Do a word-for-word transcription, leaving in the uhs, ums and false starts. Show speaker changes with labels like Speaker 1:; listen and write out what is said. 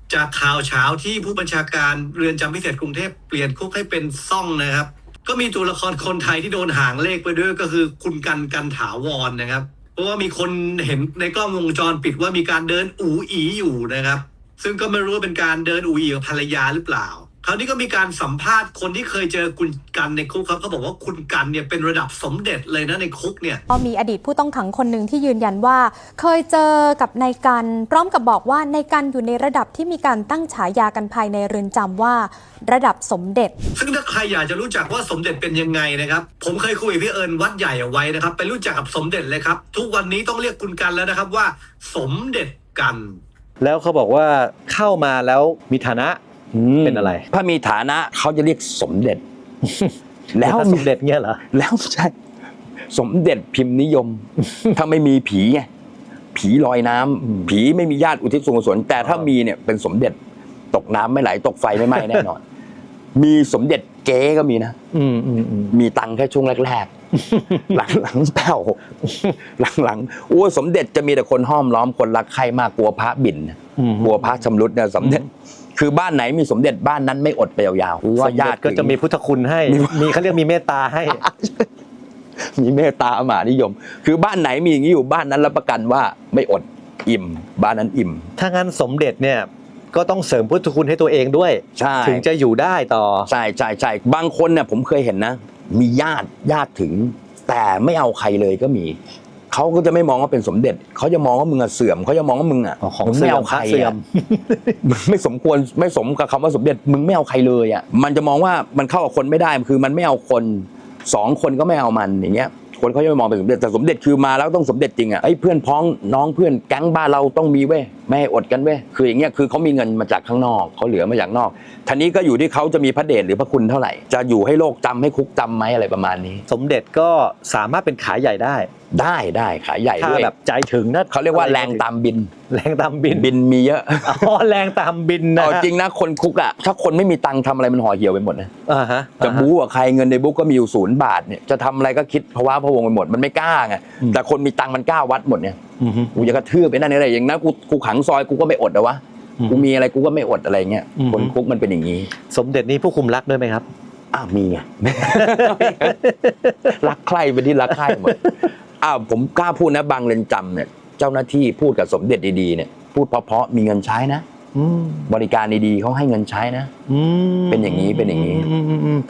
Speaker 1: จากข่าวเช้าที่ผู้บัญชาการเรือนจำพิเศษกรุงเทพเปลี่ยนคุกให้เป็นซ่องนะครับก็มีตัวละครคนไทยที่โดนหางเลขไปด้วยก็คือคุณกันกันถาวรนะครับเพราะว่ามีคนเห็นในกล้องวงจรปิดว่ามีการเดินอูอีอยู่นะครับซึ่งก็ไม่รู้ว่าเป็นการเดินอูอีกับภรรยาหรือเปล่าคราวนี้ก็มีการสัมภาษณ์คนที่เคยเจอคุณกันในคุกครับเขาบอกว่าคุณกันเนี่ยเป็นระดับสมเด็จเลยนะในคุกเนี่ย
Speaker 2: ก็มีอดีตผู้ต้องขังคนหนึ่งที่ยืนยันว่าเคยเจอกับนายกันพร้อมกับบอกว่านายกันอยู่ในระดับที่มีการตั้งฉายากันภายในเรือนจำว่าระดับสมเด็จ
Speaker 1: ซึ่งถ้าใครอยากจะรู้จักว่าสมเด็จเป็นยังไงนะครับผมเคยคุยกับพี่เอิญวัดใหญ่เอาไว้นะครับไปรู้จักกับสมเด็จเลยครับทุกวันนี้ต้องเรียกคุณกันแล้วนะครับว่าสมเด็จกัน
Speaker 3: แล้วเขาบอกว่าเข้ามาแล้วมีฐานะเป็นอะไร
Speaker 4: ถ้ามีฐานะเขาจะเรียกสมเด็จ
Speaker 3: แล้วสมเด็จเงี้ยเหรอ
Speaker 4: แล้วใช่สมเด็จพิมพ์นิยมถ้าไม่มีผีไงผีลอยน้ำผีไม่มีญาติอุทิศส่วนกุศลแต่ถ้ามีเนี่ยเป็นสมเด็จตกน้ำไม่ไหลตกไฟไม่ไหม้แน่นอนมีสมเด็จเก๋ก็มีนะมีตังค์แค่ช่วงแรกๆหลังๆแป้วหลังๆโอ้สมเด็จจะมีแต่คนห้อมล้อมคนรักใครมากกลัวพระบินกลัวพระชำรุดเนี่ยสมเด็จคือบ้านไหนมีสมเด็จบ้านนั้นไม่อดไปยาว
Speaker 3: ๆว่าญาติก็จะมีพุทธคุณให้มีเขาเรียกมีเมตตาให้
Speaker 4: มีเมตตามหานิยมคือบ้านไหนมีอย่างนี้อยู่บ้านนั้นรับประกันว่าไม่อดอิ่มบ้านนั้นอิ่ม
Speaker 3: ถ้างั้นสมเด็จเนี่ยก็ต้องเสริมพุทธคุณให้ตัวเองด้วยถึงจะอยู่ได้ต่อ
Speaker 4: ใช่ใช่ใช่บางคนเนี่ยผมเคยเห็นนะมีญาติญาติถึงแต่ไม่เอาใครเลยก็มีเขาก็จะไม่มองว่าเป็นสมเด็จเขาจะมองว่ามึงอะเสื่อมเขาจะมองว่ามึงอะ
Speaker 3: มึงไม่เอาใครอะ
Speaker 4: มึงไม่สมควรไม่สมกับคำว่าสมเด็จมึงไม่เอาใครเลยอะมันจะมองว่ามันเข้ากับคนไม่ได้คือมันไม่เอาคนสองคนก็ไม่เอามันอย่างเงี้ยคนเขาจะไม่มองเป็นสมเด็จแต่สมเด็จคือมาแล้วต้องสมเด็จจริงอ่ะไอ้เพื่อนพ้องน้องเพื่อนแก๊งบ้านเราต้องมีเว้ยไม่ให้อดกันเว้ยคืออย่างเงี้ยคือเขามีเงินมาจากข้างนอกเขาเหลือมาจากนอกทีนี้ก็อยู่ที่เขาจะมีพระเดชหรือพระคุณเท่าไหร่จะอยู่ให้โลกจำให้คุกจำไหมอะไรประมาณนี้
Speaker 3: สมเด็จก็สามารถเป็นขายใหญ่ได้
Speaker 4: ได้ได้ขายใหญ่ด้วย
Speaker 3: ถ้าแบบใจถึงนะ
Speaker 4: เขาเรียกว่าแรงตามบิน
Speaker 3: แรงตามบิน
Speaker 4: บินมีเยอะ
Speaker 3: อ๋อแรงตามบินนะ
Speaker 4: จริงนะคนคุกอ่ะถ้าคนไม่มีตังค์ทำอะไรมันห่อเหี่ยวไปหมดนะ
Speaker 3: อ่าฮะ
Speaker 4: จะบู๊กับใครเงินในบุ๊กก็มีอยู่ศูนย์บาทเนี่ยจะทำอะไรก็คิดภาวะพะวงไปหมดมันไม่กล้าไงแต่คนมีตังค์มันกล้าวัดหมดเนี่ยกูจะกระทืบไปนั่นอะไรอย่างนั้นกูกูขังซอยกูก็ไม่อดนะวะกูมีอะไรกูก็ไม่อดอะไรเงี้ยคนคุกมันเป็นอย่างนี้
Speaker 3: สมเด็จนี้ผู้คุมรักด้วยไหมครับ
Speaker 4: อ้าวมีไงรักใครเป็นที่รักใครหมดอ้าวผมกล้าพูดนะบางเรือนจำเนี่ยเจ้าหน้าที่พูดกับสมเด็จดีๆเนี่ยพูดเพราะๆมีเงินใช้นะบริการดีๆเขาให้เงินใช้นะเป็นอย่างนี้เป็นอย่างนี้